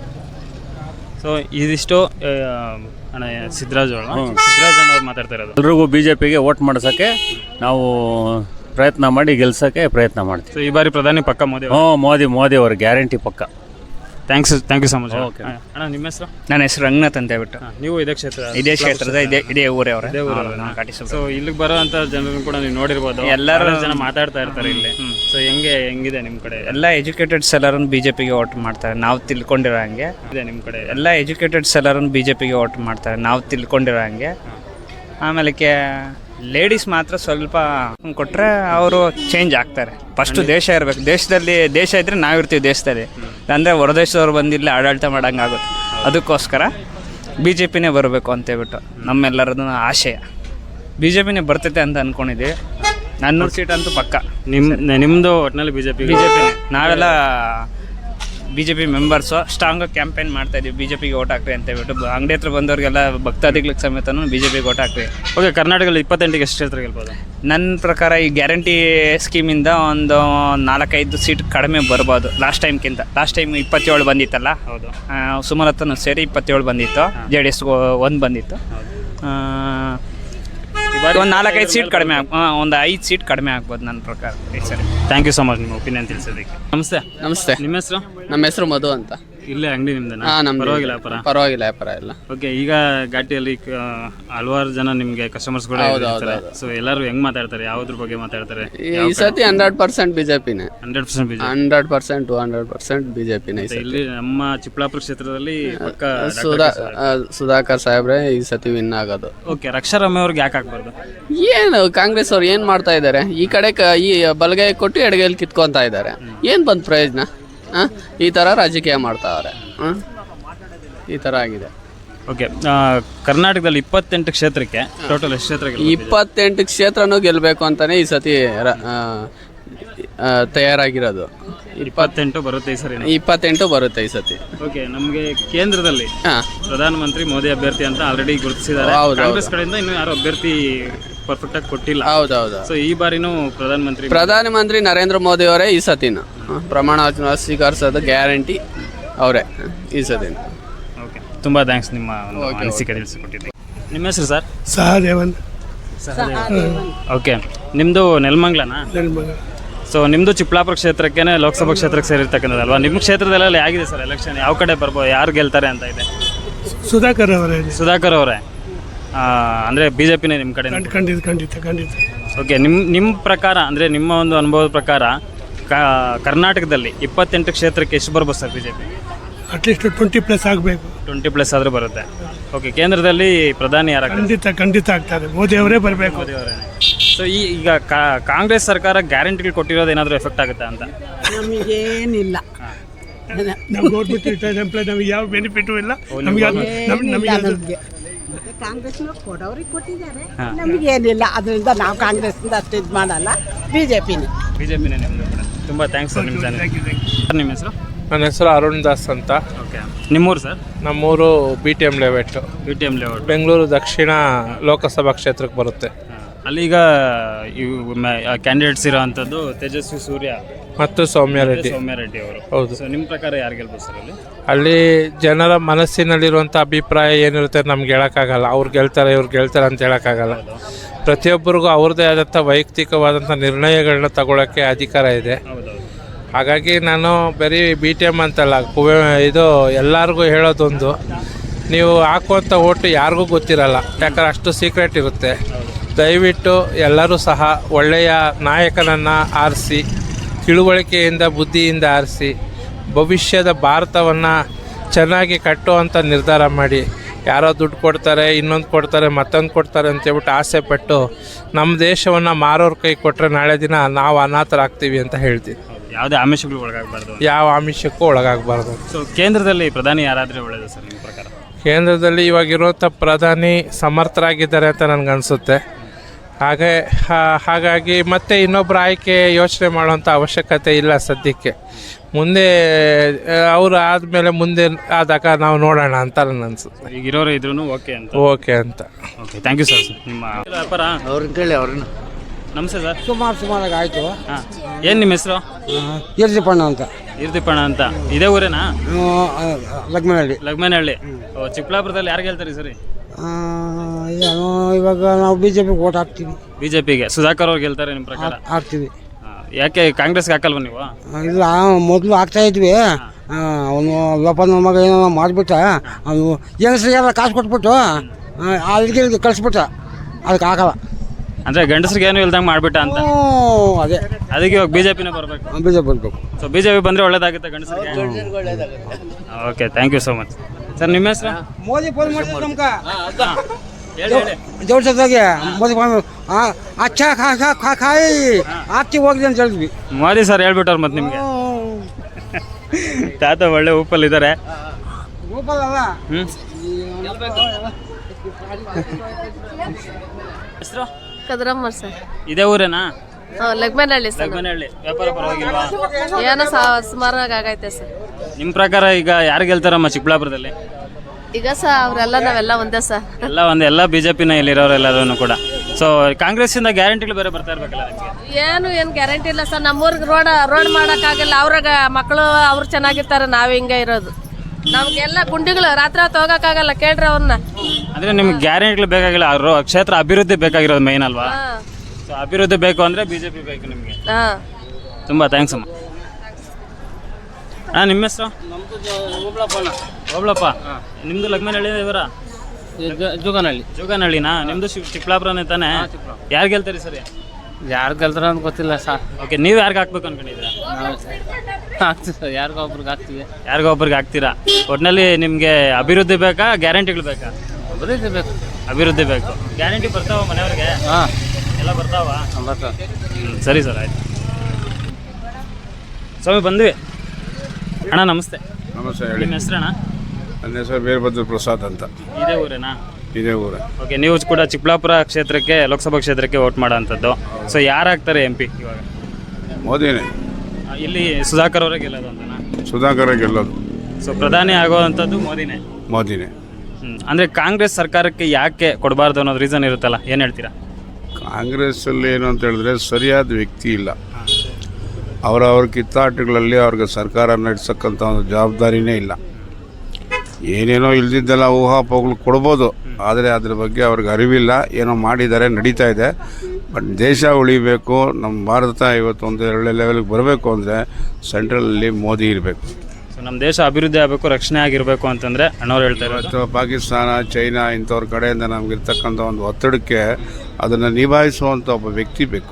Speaker 2: ಸೊ ಇದಿಷ್ಟು ಅಣ್ಣ ಸಿದ್ದರಾಜು ಸಿದ್ದರಾಜು ಅವ್ರು ಮಾತಾಡ್ತಾ ಇರೋದು.
Speaker 9: ಎಲ್ರಿಗೂ ಬಿ ಜೆ ಪಿಗೆ ವೋಟ್ ಮಾಡಿಸೋಕ್ಕೆ ನಾವು ಪ್ರಯತ್ನ ಮಾಡಿ ಗೆಲ್ಸೋಕ್ಕೆ ಪ್ರಯತ್ನ ಮಾಡ್ತೀವಿ.
Speaker 2: ಸೊ ಈ ಬಾರಿ ಪ್ರಧಾನಿ ಪಕ್ಕ ಮೋದಿ?
Speaker 9: ಹ್ಞೂ, ಮೋದಿ ಮೋದಿ ಅವ್ರ ಗ್ಯಾರಂಟಿ ಪಕ್ಕ.
Speaker 2: Thanks thank you so much.
Speaker 9: Okay
Speaker 2: ಅಣ್ಣ, ನಿಮ್ಮ ಹೆಸರು?
Speaker 10: ನನ್ನ ಹೆಸರು ರಂಗನಾಥ್ ಅಂತ ಹೇಳ್ಬಿಟ್ಟು.
Speaker 2: ನೀವು ಇದೇ ಕ್ಷೇತ್ರ?
Speaker 10: ಇದೇ ಕ್ಷೇತ್ರದ ಇದೇ ಇದೇ ಊರೇ ಅವರ.
Speaker 2: ಸೊ ಇಲ್ಲಿಗೆ ಬರೋಂಥ ಜನರನ್ನು ಕೂಡ ನೀವು ನೋಡಿರ್ಬೋದು, ಎಲ್ಲರೂ ಜನ ಮಾತಾಡ್ತಾ ಇರ್ತಾರೆ ಇಲ್ಲಿ. ಸೊ ಹೆಂಗೆ ಹೆಂಗಿದೆ ನಿಮ್ಮ ಕಡೆ?
Speaker 10: ಎಲ್ಲ ಎಜುಕೇಟೆಡ್ಸ್ ಎಲ್ಲರನ್ನು ಬಿ ಜೆ ಪಿಗೆ ವೋಟ್ ಮಾಡ್ತಾರೆ, ನಾವು ತಿಳ್ಕೊಂಡಿರೋ ಹಂಗೆ ಇದೆ ನಿಮ್ಮ ಕಡೆ. ಎಲ್ಲ ಎಜುಕೇಟೆಡ್ಸ್ ಎಲ್ಲರನ್ನು ಬಿ ಜೆ ಪಿಗೆ ವೋಟ್ ಮಾಡ್ತಾರೆ, ನಾವು ತಿಳ್ಕೊಂಡಿರೋ ಹಂಗೆ. ಆಮೇಲೆ ಕೆ ಲೇಡೀಸ್ ಮಾತ್ರ ಸ್ವಲ್ಪ ಕೊಟ್ಟರೆ ಅವರು ಚೇಂಜ್ ಆಗ್ತಾರೆ. ಫಸ್ಟು ದೇಶ ಇರಬೇಕು, ದೇಶದಲ್ಲಿ ದೇಶ ಇದ್ದರೆ ನಾವಿರ್ತೀವಿ ದೇಶದಲ್ಲಿ, ಅಂದರೆ ಹೊರದೇಶದವ್ರು ಬಂದಿಲ್ಲ ಆಡಳಿತ ಮಾಡೋಂಗಾಗುತ್ತೆ. ಅದಕ್ಕೋಸ್ಕರ ಬಿ ಜೆ ಪಿನೇ ಬರಬೇಕು ಅಂತೇಳ್ಬಿಟ್ಟು ನಮ್ಮೆಲ್ಲರದ್ದು ಆಶಯ. ಬಿ ಜೆ ಪಿನೇ ಬರ್ತೈತೆ ಅಂತ ಅಂದ್ಕೊಂಡಿದ್ದೀವಿ. ನಾನ್ನೂರು ಸೀಟ್ ಅಂತೂ ಪಕ್ಕ.
Speaker 2: ನಿಮ್ಮ ನಿಮ್ಮದು ಒಟ್ಟಿನಲ್ಲಿ B J P
Speaker 10: B J P ನಾವೆಲ್ಲ ಬಿ ಜೆ ಪಿ ಮೆಂಬರ್ಸು ಸ್ಟ್ರಾಂಗಾಗಿ ಕ್ಯಾಂಪೇನ್ ಮಾಡ್ತಾ ಇದ್ದೀವಿ, ಬಿ ಜೆ ಪಿಗೆ ಓಟ್ ಹಾಕ್ರಿ ಅಂತ ಹೇಳ್ಬಿಟ್ಟು ಅಂಗಡಿ ಹತ್ರ ಬಂದವ್ರಿಗೆಲ್ಲ ಭಕ್ತಾದಿಗಳಿಗೆ ಸಮೇತನೂ ಬಿ ಜೆ ಪಿಗೆ ಓಟ್ ಹಾಕ್ರಿ.
Speaker 2: ಓಕೆ, ಕರ್ನಾಟಕದಲ್ಲಿ ಇಪ್ಪತ್ತೆಂಟಿಗೆ ಎಷ್ಟು ಕ್ಷೇತ್ರ ಗೆಲ್ಬೋದು?
Speaker 10: ನನ್ನ ಪ್ರಕಾರ ಈ ಗ್ಯಾರಂಟಿ ಸ್ಕೀಮಿಂದ ಒಂದು ನಾಲ್ಕೈದು ಸೀಟ್ ಕಡಿಮೆ ಬರ್ಬೋದು ಲಾಸ್ಟ್ ಟೈಮ್ಗಿಂತ. ಲಾಸ್ಟ್ ಟೈಮ್ ಇಪ್ಪತ್ತೇಳು ಬಂದಿತ್ತಲ್ಲ,
Speaker 2: ಹೌದು.
Speaker 10: ಸುಮಲತನು ಸೇರಿ ಇಪ್ಪತ್ತೇಳು ಬಂದಿತ್ತು, ಜೆ ಡಿ ಎಸ್ ಒಂದು ಬಂದಿತ್ತು. ಒಂದು ನಾಲ್ಕೈದು ಸೀಟ್ ಕಡಿಮೆ ಆಗ ಒಂದು ಐದು ಸೀಟ್ ಕಡಿಮೆ ಆಗ್ಬೋದು ನನ್ನ ಪ್ರಕಾರ ಈ ಸರಿ.
Speaker 2: ಥ್ಯಾಂಕ್ ಯು ಸೊ ಮಚ್ ನಿಮ್ಮ ಒಪಿನಿಯನ್ ತಿಳಿಸೋದಕ್ಕೆ. ನಮಸ್ತೆ.
Speaker 8: ನಮಸ್ತೆ.
Speaker 2: ನಿಮ್ಮ ಹೆಸರು?
Speaker 8: ನಮ್ಮ ಹೆಸರು ಮಧು ಅಂತ.
Speaker 2: ಇಲ್ಲೇ ಅಂಗಡಿ ನಿಮ್ದು?
Speaker 8: ಹಾಂ, ನಮ್ದು
Speaker 2: ಪರವಾಗಿಲ್ಲ ವ್ಯಾಪಾರ?
Speaker 8: ಪರವಾಗಿಲ್ಲ, ವ್ಯಾಪಾರ ಇಲ್ಲ.
Speaker 2: ಓಕೆ, ಈಗ ಘಾಟಿಯಲ್ಲಿ ಕ- ಹಲವಾರು ಜನ ನಿಮಗೆ ಕಸ್ಟಮರ್ಸ್ ಕೂಡ
Speaker 8: ಹೌದು,
Speaker 2: ಇರ್ತಾರೆ.
Speaker 8: ಹೌದು,
Speaker 2: ಸೊ ಎಲ್ಲರೂ ಹೆಂಗ್ ಮಾತಾಡ್ತಾರೆ, ಯಾವ್ದ್ರ ಬಗ್ಗೆ ಮಾತಾಡ್ತಾರೆ?
Speaker 8: ಈ ಈ ಸತಿ ಹಂಡ್ರೆಡ್ ಪರ್ಸೆಂಟ್ ಬಿಜೆಪಿನೇ.
Speaker 2: Hundred percent BJP.
Speaker 8: Hundred percent to hundred percent ಬಿಜೆಪಿನೇ ಈ ಸತಿ.
Speaker 2: ಇಲ್ಲಿ ನಮ್ಮ ಚಿಕ್ಕಬಳ್ಳಾಪುರ ಕ್ಷೇತ್ರದಲ್ಲಿ ಪಕ್ಕ
Speaker 8: ಸುಧಾ ಆ, ಸುಧಾಕರ್ ಸಾಹೇಬ್ರೆ ಈ ಸತಿ ವಿನ್ ಆಗೋದು.
Speaker 2: ಓಕೆ, ರಕ್ಷಾರಾಮೆ ಅವ್ರಿಗೆ ಯಾಕೆ ಹಾಕ್ಬಾರ್ದು?
Speaker 8: ಏನು ಕಾಂಗ್ರೆಸ್ ಅವ್ರು ಏನು ಮಾಡ್ತಾ ಇದ್ದಾರೆ? ಈ ಕಡೆ ಕ- ಈ ಬಲಗೈ ಕೊಟ್ಟು ಎಡಗೈಲಿ ಕಿತ್ಕೊತಾ ಇದ್ದಾರೆ. ಏನು ಬಂದು ಪ್ರಯೋಜನ? ಹಾಂ, ಈ ಥರ ರಾಜಕೀಯ ಮಾಡ್ತಾವ್ರೆ. ಹಾಂ, ಈ ಥರ ಆಗಿದೆ.
Speaker 2: ಓಕೆ, ಕರ್ನಾಟಕದಲ್ಲಿ ಇಪ್ಪತ್ತೆಂಟು ಕ್ಷೇತ್ರಕ್ಕೆ ಟೋಟಲ್ ಎಷ್ಟು ಕ್ಷೇತ್ರ ಗೆಲ್ಬೋದು?
Speaker 8: ಇಪ್ಪತ್ತೆಂಟು ಕ್ಷೇತ್ರನೂ ಗೆಲ್ಲಬೇಕು ಅಂತಾನೆ ಈ ಸತಿ ರ- ಆ, ಆ, ತಯಾರಾಗಿರೋದು.
Speaker 2: ಇಪ್ಪತ್ತೆಂಟು ಬರುತ್ತೆ ಈ ಸರಿ.
Speaker 8: ಇಪ್ಪತ್ತೆಂಟು ಬರುತ್ತೆ ಈ ಸತಿ.
Speaker 2: ಓಕೆ, ನಮಗೆ ಕೇಂದ್ರದಲ್ಲಿ
Speaker 8: ಹಾಂ,
Speaker 2: ಪ್ರಧಾನಮಂತ್ರಿ ಮೋದಿ ಅಭ್ಯರ್ಥಿ ಅಂತ ಆಲ್ರೆಡಿ ಗುರುತಿಸಿದ್ದಾರೆ.
Speaker 8: ಹೌದು,
Speaker 2: ಕಾಂಗ್ರೆಸ್ ಕಡೆಯಿಂದ ಇನ್ನೂ ಯಾರು ಅಭ್ಯರ್ಥಿ ಪರ್ಫೆಕ್ಟ್ ಆಗಿ ಕೊಟ್ಟಿಲ್ಲ.
Speaker 8: ಹೌದೌದು.
Speaker 2: ಸೊ ಈ ಬಾರಿನೂ ಪ್ರಧಾನಮಂತ್ರಿ
Speaker 8: ಪ್ರಧಾನಮಂತ್ರಿ ನರೇಂದ್ರ ಮೋದಿ ಅವರೇ ಈ ಸತಿನ ಪ್ರಮಾಣ ವಚನ ಸ್ವೀಕರಿಸೋದು ಗ್ಯಾರಂಟಿ ಅವರೇ ಈ ಸತಿನ.
Speaker 2: ಓಕೆ, ತುಂಬ ಥ್ಯಾಂಕ್ಸ್ ನಿಮ್ಮ ಒಂದು ಅನಿಸಿಕೆ ತಿಳಿಸಿಕೊಟ್ಟಿದ್ದೆ. ನಿಮ್ಮ ಹೆಸರು ಸರ್?
Speaker 7: ಸಹದೇವನ್.
Speaker 2: ಓಕೆ, ನಿಮ್ಮದು ನೆಲಮಂಗ್ಲನಾ?
Speaker 7: ನನ್ನ ಮಗ
Speaker 2: ಸೊ ನಿಮ್ಮದು ಚಿಕ್ಕಬಳ್ಳಾಪುರ ಕ್ಷೇತ್ರಕ್ಕೇನೆ ಲೋಕಸಭಾ ಕ್ಷೇತ್ರಕ್ಕೆ ಸೇರಿರ್ತಕ್ಕಂಥದ್ದಲ್ವಾ? ನಿಮ್ಮ ಕ್ಷೇತ್ರದಲ್ಲೆಲ್ಲ ಹೇಗಿದೆ ಸರ್ ಎಲೆಕ್ಷನ್? ಯಾವ ಕಡೆ ಬರ್ಬೋದು, ಯಾರು ಗೆಲ್ತಾರೆ ಅಂತ ಇದೆ?
Speaker 7: ಸುಧಾಕರ್ ಅವರೇ.
Speaker 2: ಸುಧಾಕರ್ ಅವರೇ, ಅಂದರೆ ಬಿ ಜೆ ಪಿನೇ ನಿಮ್ಮ ಕಡೆ?
Speaker 7: ಖಂಡಿತ ಖಂಡಿತ ಖಂಡಿತ ಖಂಡಿತ.
Speaker 2: ಓಕೆ, ನಿಮ್ಮ ನಿಮ್ಮ ಪ್ರಕಾರ, ಅಂದರೆ ನಿಮ್ಮ ಒಂದು ಅನುಭವದ ಪ್ರಕಾರ ಕ- ಕರ್ನಾಟಕದಲ್ಲಿ ಇಪ್ಪತ್ತೆಂಟು ಕ್ಷೇತ್ರಕ್ಕೆ ಎಷ್ಟು ಬರ್ಬೋದು sir B J P?
Speaker 7: At least twenty plus ಆಗಬೇಕು.
Speaker 2: ಟ್ವೆಂಟಿ ಪ್ಲಸ್ ಆದರೂ ಬರುತ್ತೆ. ಓಕೆ, ಕೇಂದ್ರದಲ್ಲಿ ಪ್ರಧಾನಿ ಯಾರಾಗ್ತಾರೆ?
Speaker 7: ಖಂಡಿತ ಖಂಡಿತ ಆಗ್ತಾರೆ, ಮೋದಿ ಅವರೇ ಬರಬೇಕು.
Speaker 2: ಸೊ ಈ ಈಗ ಕಾ- ಕಾಂಗ್ರೆಸ್ ಸರ್ಕಾರ ಗ್ಯಾರಂಟಿಗಳು ಕೊಟ್ಟಿರೋದು ಏನಾದರೂ ಎಫೆಕ್ಟ್ ಆಗುತ್ತಾ ಅಂತ?
Speaker 6: ನಮಗೇನಿಲ್ಲ.
Speaker 7: ನಾವು ಗೌರ್ಮೆಂಟ್ ರಿಟೈರ್ಡ್ ಎಂಪ್ಲಾಯ್, ನಮಗೆ ಯಾವ ಬೆನಿಫಿಟು ಇಲ್ಲ. ನಮಗೆ ಅದು- ನಮ್- ನಮಗೆ ಅದು-
Speaker 6: ನಮಗೆ ಕಾಂಗ್ರೆಸ್ನವ್ರು ಕೊಡೋರಿಗೆ ಕೊಟ್ಟಿದ್ದಾರೆ, ನಮಗೇನಿಲ್ಲ. ಅದರಿಂದ ನಾವು ಕಾಂಗ್ರೆಸ್ನಿಂದ ಅಷ್ಟು ಇದು ಮಾಡಲ್ಲ, ಬಿ ಜೆ ಪಿನೇ.
Speaker 2: ಬಿ ಜೆ ಪಿನೇ ನಿಮ್ಮದು ಕೂಡ. ತುಂಬ ಥ್ಯಾಂಕ್ಸ್ ಸರ್ ನಿಮ್ಮ ಜನ. ಸರ್ ನಿಮ್ಮ ಹೆಸರು?
Speaker 11: ನನ್ನ ಹೆಸರು ಅರುಣ್ ದಾಸ್ ಅಂತ.
Speaker 2: ಓಕೆ, ನಿಮ್ಮೂರು ಸರ್?
Speaker 11: ನಮ್ಮೂರು B T M layout,
Speaker 2: B T M layout,
Speaker 11: Bengaluru ದಕ್ಷಿಣ ಲೋಕಸಭಾ ಕ್ಷೇತ್ರಕ್ಕೆ ಬರುತ್ತೆ.
Speaker 2: ಅಲ್ಲೀಗ ಇವು ಕ್ಯಾಂಡಿಡೇಟ್ಸ್ ಇರೋ ಅಂಥದ್ದು ತೇಜಸ್ವಿ ಸೂರ್ಯ
Speaker 11: ಮತ್ತು ಸೌಮ್ಯ ರೆಡ್ಡಿ.
Speaker 2: ಸೌಮ್ಯ ರೆಡ್ಡಿ ಅವರು.
Speaker 11: ಹೌದು.
Speaker 2: ಸೊ ನಿಮ್ಮ ಪ್ರಕಾರ ಯಾರು ಗೆಲ್ಬೋದು ಸರ್ ಅಲ್ಲಿ?
Speaker 11: ಅಲ್ಲಿ ಜನರ ಮನಸ್ಸಿನಲ್ಲಿರುವಂಥ ಅಭಿಪ್ರಾಯ ಏನಿರುತ್ತೆ ನಮ್ಗೆ ಹೇಳೋಕ್ಕಾಗಲ್ಲ. ಅವ್ರು ಗೆಲ್ತಾರೆ ಇವ್ರು ಗೆಲ್ತಾರೆ ಅಂತ ಹೇಳೋಕ್ಕಾಗಲ್ಲ. ಪ್ರತಿಯೊಬ್ಬರಿಗೂ ಅವ್ರದ್ದೇ ಆದಂಥ ವೈಯಕ್ತಿಕವಾದಂಥ ನಿರ್ಣಯಗಳನ್ನ ತಗೊಳ್ಳೋಕ್ಕೆ ಅಧಿಕಾರ ಇದೆ. ಹಾಗಾಗಿ ನಾನು ಬರೀ ಬಿ ಟಿ ಎಮ್ ಅಂತಲ್ಲ, ಕುವೆ ಇದು ಎಲ್ಲರಿಗೂ ಹೇಳೋದೊಂದು, ನೀವು ಹಾಕುವಂಥ ಓಟು ಯಾರಿಗೂ ಗೊತ್ತಿರಲ್ಲ, ಯಾಕಂದ್ರೆ ಅಷ್ಟು ಸೀಕ್ರೆಟ್ ಇರುತ್ತೆ. ದಯವಿಟ್ಟು ಎಲ್ಲರೂ ಸಹ ಒಳ್ಳೆಯ ನಾಯಕನನ್ನು ಆರಿಸಿ, ತಿಳುವಳಿಕೆಯಿಂದ ಬುದ್ಧಿಯಿಂದ ಆರಿಸಿ, ಭವಿಷ್ಯದ ಭಾರತವನ್ನು ಚೆನ್ನಾಗಿ ಕಟ್ಟುವಂಥ ನಿರ್ಧಾರ ಮಾಡಿ. ಯಾರೋ ದುಡ್ಡು ಕೊಡ್ತಾರೆ, ಇನ್ನೊಂದು ಕೊಡ್ತಾರೆ, ಮತ್ತೊಂದು ಕೊಡ್ತಾರೆ ಅಂತೇಳ್ಬಿಟ್ಟು ಆಸೆ ಪಟ್ಟು ನಮ್ಮ ದೇಶವನ್ನು ಮಾರೋರ ಕೈ ಕೊಟ್ಟರೆ ನಾಳೆ ದಿನ ನಾವು ಅನಾಥರಾಗ್ತೀವಿ ಅಂತ ಹೇಳ್ತೀವಿ.
Speaker 2: ಯಾವುದೇ ಆಮಿಷಗಳು ಒಳಗಾಗಬಾರ್ದು,
Speaker 11: ಯಾವ ಆಮಿಷಕ್ಕೂ ಒಳಗಾಗಬಾರ್ದು.
Speaker 2: ಸೊ ಕೇಂದ್ರದಲ್ಲಿ ಪ್ರಧಾನಿ ಯಾರಾದರೆ ಒಳ್ಳೆಯದು ಸರ್ ನಿಮ್ಮ ಪ್ರಕಾರ?
Speaker 11: ಕೇಂದ್ರದಲ್ಲಿ ಇವಾಗಿರುವಂಥ ಪ್ರಧಾನಿ ಸಮರ್ಥರಾಗಿದ್ದಾರೆ ಅಂತ ನನಗನ್ಸುತ್ತೆ. ಹಾಗೆ ಹಾಗಾಗಿ ಮತ್ತೆ ಇನ್ನೊಬ್ಬರ ಆಯ್ಕೆ ಯೋಚನೆ ಮಾಡುವಂಥ ಅವಶ್ಯಕತೆ ಇಲ್ಲ ಸದ್ಯಕ್ಕೆ. ಮುಂದೆ ಅವರು ಆದಮೇಲೆ ಮುಂದೆ ಆದಾಗ ನಾವು ನೋಡೋಣ ಅಂತ ನನ್ನ ಅನ್ಸುತ್ತೆ.
Speaker 2: ಈಗ ಇರೋರು ಇದ್ರೂ ಓಕೆ ಅಂತ?
Speaker 11: ಓಕೆ ಅಂತ.
Speaker 2: Okay, thank you sir. ನಿಮ್ಮ ವ್ಯಾಪಾರ?
Speaker 1: ಅವ್ರನ್ನ ಕೇಳಿ ಅವ್ರನ್ನ.
Speaker 2: ನಮಸ್ತೆ ಸರ್.
Speaker 1: ಸುಮಾರು ಸುಮಾರಾಗಿ ಆಯಿತು.
Speaker 2: ಹಾಂ, ಏನು ನಿಮ್ಮ ಹೆಸರು?
Speaker 1: ಇರ್ದಿಪ್ಪಣ್ಣ ಅಂತ.
Speaker 2: ಇರ್ದಿಪ್ಪಣ್ಣ ಅಂತ. ಇದೇ ಊರೇನಾ?
Speaker 1: ಲಗ್ಮನಹಳ್ಳಿ.
Speaker 2: ಲಗ್ಮನಹಳ್ಳಿ. ಓ, ಚಿಕ್ಕಬಳ್ಳಾಪುರದಲ್ಲಿ ಯಾರು ಗೆಲ್ತಾರೆ ಸರಿ?
Speaker 1: ಏನೋ ಇವಾಗ ನಾವು ಬಿ ಜೆ ಪಿಗೆ ಓಟ್ ಹಾಕ್ತೀವಿ.
Speaker 2: ಬಿ ಜೆ ಪಿಗೆ ಸುಧಾಕರ್ ಅವ್ರು ಗೆಲ್ತಾರೆ ನಿಮ್ಮ ಪ್ರಕಾರ?
Speaker 1: ಹಾಕ್ತೀವಿ.
Speaker 2: ಯಾಕೆ ಕಾಂಗ್ರೆಸ್ಗೆ ಹಾಕಲ್ವ ನೀವು?
Speaker 1: ಇಲ್ಲ, ಮೊದಲು ಹಾಕ್ತಾ ಇದ್ವಿ. ಅವನು ಲೋಪನ ಮಗ ಏನೋ ಮಾಡಿಬಿಟ್ಟ. ಅವನು ಹೆಂಗಸ್ರಿಗೆಲ್ಲ ಕಾಸು ಕೊಟ್ಬಿಟ್ಟು ಅಲ್ಲಿಗೆ ಇಲ್ಲಿಗೆ ಕಳಿಸ್ಬಿಟ್ಟ. ಅದಕ್ಕೆ ಹಾಕಲ್ಲ.
Speaker 2: ಅಂದರೆ ಗಂಡಸ್ರಿಗೆ ಏನು ಇಲ್ದಂಗೆ ಮಾಡಿಬಿಟ್ಟ ಅಂತ?
Speaker 1: ಅದೇ
Speaker 2: ಅದಕ್ಕೆ ಇವಾಗ ಬಿ ಜೆ ಪಿನೇ ಬರಬೇಕು.
Speaker 1: ಬಿ ಜೆ ಪಿ ಬರಬೇಕು.
Speaker 2: ಸೊ ಬಿ ಜೆ ಪಿ ಬಂದರೆ ಒಳ್ಳೇದಾಗುತ್ತೆ ಗಂಡಸರಿಗೆ? Okay, thank you so much sir. ನಿಮ್ಮ ಹೆಸರು?
Speaker 1: ಮೋದಿ ಫೋನ್ ಮಾಡ್ತಾರೆ ನಮ್ಗೆ. ಜೋಡಿಸೋದಾಗೆ ಮೋದಿ ಅಚ್ಚ ಖಾ ಖಾ ಖಾ ಖಾಯಿ ಆಗ್ತಿ ಹೋಗಿದೆ ಅಂತ ಹೇಳಿದ್ವಿ.
Speaker 2: ಮೋದಿ ಸರ್ ಹೇಳ್ಬಿಟ್ಟವ್ರು ಮತ್ತೆ ನಿಮಗೆ. ತಾತ ಒಳ್ಳೆ ಊಪಲ್ಲಿದ್ದಾರೆ. ಹ್ಞೂ ಹೆಸರು
Speaker 5: ಕದ್ರಮ್ಮ ಸರ್.
Speaker 2: ಇದೇ ಊರೇನಾ?
Speaker 5: ಹಾಂ ಲಗ್ಮನಹಳ್ಳಿ ಸರ್.
Speaker 2: ಲಗ್ಮನಹಳ್ಳಿ. ವ್ಯಾಪಾರ ಪರವಾಗಿಲ್ವಾ?
Speaker 5: ಏನೋ ಸುಮಾರಾಗಿ ಆಗೈತೆ ಸರ್.
Speaker 2: ನಿಮ್ಮ ಪ್ರಕಾರ ಈಗ ಯಾರು ಗೆಲ್ತಾರಮ್ಮ ಚಿಕ್ಕಬಳ್ಳಾಪುರದಲ್ಲಿ?
Speaker 5: ಈಗ ಸಹ ಅವರೆಲ್ಲ ನಾವೆಲ್ಲ ಒಂದೇ ಸರ್.
Speaker 2: ಎಲ್ಲ ಒಂದು ಎಲ್ಲ ಬಿ ಜೆ ಪಿನ ಇಲ್ಲಿರೋರು ಎಲ್ಲರೂ ಕೂಡ. ಸೊ ಕಾಂಗ್ರೆಸ್ಸಿಂದ ಗ್ಯಾರಂಟಿಗಳು ಬೇರೆ ಬರ್ತಾ ಇರ್ಬೇಕಲ್ಲ ನಿಮಗೆ?
Speaker 5: ಏನು ಏನು ಗ್ಯಾರಂಟಿ ಇಲ್ಲ ಸರ್. ನಮ್ಮೂರಿಗೆ ರೋಡ್ ರೋಡ್ ಮಾಡೋಕ್ಕಾಗಲ್ಲ. ಅವ್ರಾಗ ಮಕ್ಕಳು ಅವ್ರು ಚೆನ್ನಾಗಿರ್ತಾರೆ, ನಾವು ಹಿಂಗೆ ಇರೋದು. ನಮಗೆಲ್ಲ ಗುಂಡಿಗಳು ರಾತ್ರಿ ಹೊತ್ತು ಹೋಗೋಕ್ಕಾಗಲ್ಲ, ಕೇಳ್ರಿ ಅವ್ರನ್ನ.
Speaker 2: ಅಂದರೆ ನಿಮ್ಗೆ ಗ್ಯಾರಂಟಿಗಳು ಬೇಕಾಗಿಲ್ಲ, ಅವರು ಕ್ಷೇತ್ರ ಅಭಿವೃದ್ಧಿ ಬೇಕಾಗಿರೋದು ಮೈನ್ ಅಲ್ವಾ? ಸೊ ಅಭಿವೃದ್ಧಿ ಬೇಕು ಅಂದರೆ ಬಿ ಜೆ ಪಿ ಬೇಕು ನಿಮಗೆ.
Speaker 5: ಹಾಂ,
Speaker 2: ತುಂಬ ಥ್ಯಾಂಕ್ಸ್ ಅಮ್ಮ. ಹಾಂ, ನಿಮ್ಮ ಹೆಸರು? ಓಬ್ಳಪ್ಪ. ನಿಮ್ಮದು ಲಗ್ಮನಹಳ್ಳಿ ಇವರ?
Speaker 10: ಜೋಗನಹಳ್ಳಿ.
Speaker 2: ಜೋಗನಹಳ್ಳಿನಾ? ನಿಮ್ಮದು ಚಿಕ್ಕಬಳ್ಳಾಪುರನೇ ತಾನೇ? ಯಾರು ಗೆಲ್ತಾರೆ ಸರಿ?
Speaker 10: ಯಾರು ಗೆಲ್ತಾರ ಅಂತ ಗೊತ್ತಿಲ್ಲ ಸರ್.
Speaker 2: ಓಕೆ, ನೀವು ಯಾರಿಗೆ ಹಾಕ್ಬೇಕು ಅನ್ಕೊಂಡಿದ್ದೀರಾ?
Speaker 10: ಆಗ್ತೀವಿ, ಯಾರಿಗೋ ಒಬ್ರಿಗೆ ಆಗ್ತೀವಿ.
Speaker 2: ಯಾರಿಗೋ ಒಬ್ರಿಗೆ ಹಾಕ್ತೀರಾ? ಒಟ್ಟಿನಲ್ಲಿ ನಿಮಗೆ ಅಭಿವೃದ್ಧಿ ಬೇಕಾ ಗ್ಯಾರಂಟಿಗಳು ಬೇಕಾ?
Speaker 10: ಅಭಿವೃದ್ಧಿ ಬೇಕು.
Speaker 2: ಅಭಿವೃದ್ಧಿ ಬೇಕು. ಗ್ಯಾರಂಟಿ ಬರ್ತಾವ ಮನೆಯವ್ರಿಗೆ?
Speaker 10: ಹಾಂ,
Speaker 2: ಎಲ್ಲ ಬರ್ತಾವ?
Speaker 10: ಬರ್ತಾವೆ.
Speaker 2: ಹ್ಞೂ, ಸರಿ ಸರ್, ಆಯ್ತು. ಸ್ವಾಮಿ ಬಂದ್ವಿ. ಅಣ್ಣ ನಮಸ್ತೆ.
Speaker 4: ನಮಸ್ತೆ ಹೇಳಿ.
Speaker 2: ನಿಮ್ಮ ಹೆಸರಣ್ಣ?
Speaker 4: ನನ್ನ ಹೆಸರು ವೀರಭದ್ರ ಪ್ರಸಾದ್ ಅಂತ.
Speaker 2: ಇದೇ ಊರೇನಾ?
Speaker 4: ಇದೇ ಊರ.
Speaker 2: ಓಕೆ, ನೀವು ಕೂಡ ಚಿಕ್ಕಬಳ್ಳಾಪುರ ಕ್ಷೇತ್ರಕ್ಕೆ ಲೋಕಸಭಾ ಕ್ಷೇತ್ರಕ್ಕೆ ವೋಟ್ ಮಾಡೋ ಅಂಥದ್ದು. ಸೊ ಯಾರು ಆಗ್ತಾರೆ ಎಂ ಪಿ ಇವಾಗ?
Speaker 4: ಮೋದಿನೇ.
Speaker 2: ಇಲ್ಲಿ ಸುಧಾಕರ್ ಅವರೇ ಗೆಲ್ಲೋದು ಅಂತನಾ?
Speaker 4: ಸುಧಾಕರ ಗೆಲ್ಲೋದು.
Speaker 2: ಸೊ ಪ್ರಧಾನಿ ಆಗೋವಂಥದ್ದು ಮೋದಿನೇ?
Speaker 4: ಮೋದಿನೇ.
Speaker 2: ಹ್ಞೂ, ಅಂದರೆ ಕಾಂಗ್ರೆಸ್ ಸರ್ಕಾರಕ್ಕೆ ಯಾಕೆ ಕೊಡಬಾರ್ದು ಅನ್ನೋದು ರೀಸನ್ ಇರುತ್ತಲ್ಲ, ಏನು ಹೇಳ್ತೀರಾ?
Speaker 4: ಕಾಂಗ್ರೆಸ್ಸಲ್ಲಿ ಏನು ಅಂತ ಹೇಳಿದ್ರೆ ಸರಿಯಾದ ವ್ಯಕ್ತಿ ಇಲ್ಲ. ಅವರವ್ರ ಕಿತ್ತಾಟಗಳಲ್ಲಿ ಅವ್ರಿಗೆ ಸರ್ಕಾರ ನಡೆಸಕ್ಕಂಥ ಒಂದು ಜವಾಬ್ದಾರಿನೇ ಇಲ್ಲ. ಏನೇನೋ ಇಲ್ದಿದ್ದೆಲ್ಲ ಊಹಾಪೋಗಳು ಕೊಡ್ಬೋದು, ಆದರೆ ಅದ್ರ ಬಗ್ಗೆ ಅವ್ರಿಗೆ ಅರಿವಿಲ್ಲ. ಏನೋ ಮಾಡಿದ್ದಾರೆ, ನಡೀತಾ ಇದೆ. ಬಟ್ ದೇಶ ಉಳಿಬೇಕು, ನಮ್ಮ ಭಾರತ ಇವತ್ತು ಒಂದು ಒಳ್ಳೆ ಲೆವೆಲ್ಗೆ ಬರಬೇಕು ಅಂದರೆ ಸೆಂಟ್ರಲಲ್ಲಿ ಮೋದಿ ಇರಬೇಕು.
Speaker 2: ಸೊ ನಮ್ಮ ದೇಶ ಅಭಿವೃದ್ಧಿ ಆಗಬೇಕು, ರಕ್ಷಣೆ ಆಗಿರಬೇಕು ಅಂತಂದರೆ ಅಣ್ಣವ್ರು ಹೇಳ್ತಾರೆ.
Speaker 4: ಅಥವಾ ಪಾಕಿಸ್ತಾನ, ಚೈನಾ ಇಂಥವ್ರ ಕಡೆಯಿಂದ ನಮಗಿರ್ತಕ್ಕಂಥ ಒಂದು ಒತ್ತಡಕ್ಕೆ ಅದನ್ನು ನಿಭಾಯಿಸುವಂಥ ಒಬ್ಬ ವ್ಯಕ್ತಿ ಬೇಕು.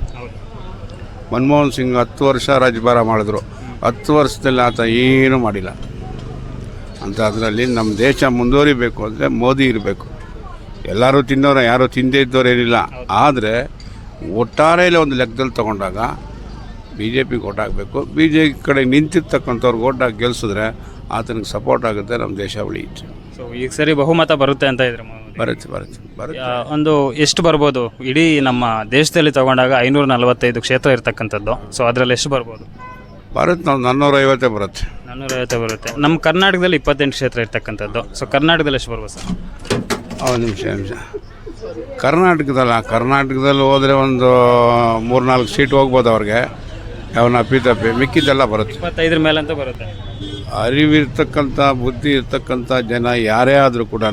Speaker 4: ಮನಮೋಹನ್ ಸಿಂಗ್ ಹತ್ತು ವರ್ಷ ರಾಜ್ಯಭಾರ ಮಾಡಿದ್ರು. ಹತ್ತು ವರ್ಷದಲ್ಲಿ ಆತ ಏನೂ ಮಾಡಿಲ್ಲ. ಅಂತ ಅದರಲ್ಲಿ ನಮ್ಮ ದೇಶ ಮುಂದುವರಿಬೇಕು ಅಂದರೆ ಮೋದಿ ಇರಬೇಕು. ಎಲ್ಲರೂ ತಿನ್ನೋರು, ಯಾರೂ ತಿಂದೇ ಇದ್ದವ್ರು ಏನಿಲ್ಲ. ಆದರೆ ಒಟ್ಟಾರೆಯಲ್ಲಿ ಒಂದು ಲೆಕ್ಕದಲ್ಲಿ ತೊಗೊಂಡಾಗ ಬಿ ಜೆ ಪಿಗೆ ಓಟ್ ಹಾಕಬೇಕು. ಬಿ ಜೆ ಪಿ ಕಡೆ ನಿಂತಿರ್ತಕ್ಕಂಥವ್ರಿಗೆ ಓಟ್ ಹಾಕಿ ಗೆಲ್ಲಿಸಿದ್ರೆ ಆತನಿಗೆ ಸಪೋರ್ಟ್ ಆಗುತ್ತೆ, ನಮ್ಮ ದೇಶ ಉಳಿಯುತ್ತೆ.
Speaker 2: ಸೊ ಈಗ ಸರಿ ಬಹುಮತ ಬರುತ್ತೆ ಅಂತ ಇದ್ರೆ
Speaker 4: ಬರುತ್ತೆ ಬರುತ್ತೆ ಬರುತ್ತೆ
Speaker 2: ಒಂದು ಎಷ್ಟು ಬರ್ಬೋದು ಇಡೀ ನಮ್ಮ ದೇಶದಲ್ಲಿ ತಗೊಂಡಾಗ? ಐನೂರ ನಲವತ್ತೈದು ಕ್ಷೇತ್ರ ಇರ್ತಕ್ಕಂಥದ್ದು. ಸೊ ಅದರಲ್ಲಿ ಎಷ್ಟು ಬರ್ಬೋದು?
Speaker 4: ಬರುತ್ತೆ, ನಾವು ನಾನ್ನೂರ ಐವತ್ತೇ ಬರುತ್ತೆ.
Speaker 2: ನಾನ್ನೂರೈವತ್ತೇ ಬರುತ್ತೆ. ನಮ್ಮ ಕರ್ನಾಟಕದಲ್ಲಿ ಇಪ್ಪತ್ತೆಂಟು ಕ್ಷೇತ್ರ ಇರ್ತಕ್ಕಂಥದ್ದು. ಸೊ ಕರ್ನಾಟಕದಲ್ಲಿ ಎಷ್ಟು ಬರ್ಬೋದು ಸರ್?
Speaker 4: ಒಂದು ನಿಮಿಷ ನಿಮಿಷ ಕರ್ನಾಟಕದಲ್ಲ, ಕರ್ನಾಟಕದಲ್ಲಿ ಹೋದರೆ ಒಂದು ಮೂರು ನಾಲ್ಕು ಸೀಟ್ ಹೋಗ್ಬೋದು ಅವ್ರಿಗೆ. ಅವನ ಅಪ್ಪಿತಪ್ಪಿ ಮಿಕ್ಕಿದ್ದೆಲ್ಲ ಬರುತ್ತೆ.
Speaker 2: ಇಪ್ಪತ್ತೈದರ ಮೇಲೆ ಅಂತ ಬರುತ್ತೆ.
Speaker 4: ಅರಿವಿರ್ತಕ್ಕಂಥ ಬುದ್ಧಿ ಇರ್ತಕ್ಕಂಥ ಜನ ಯಾರೇ ಆದರೂ ಕೂಡ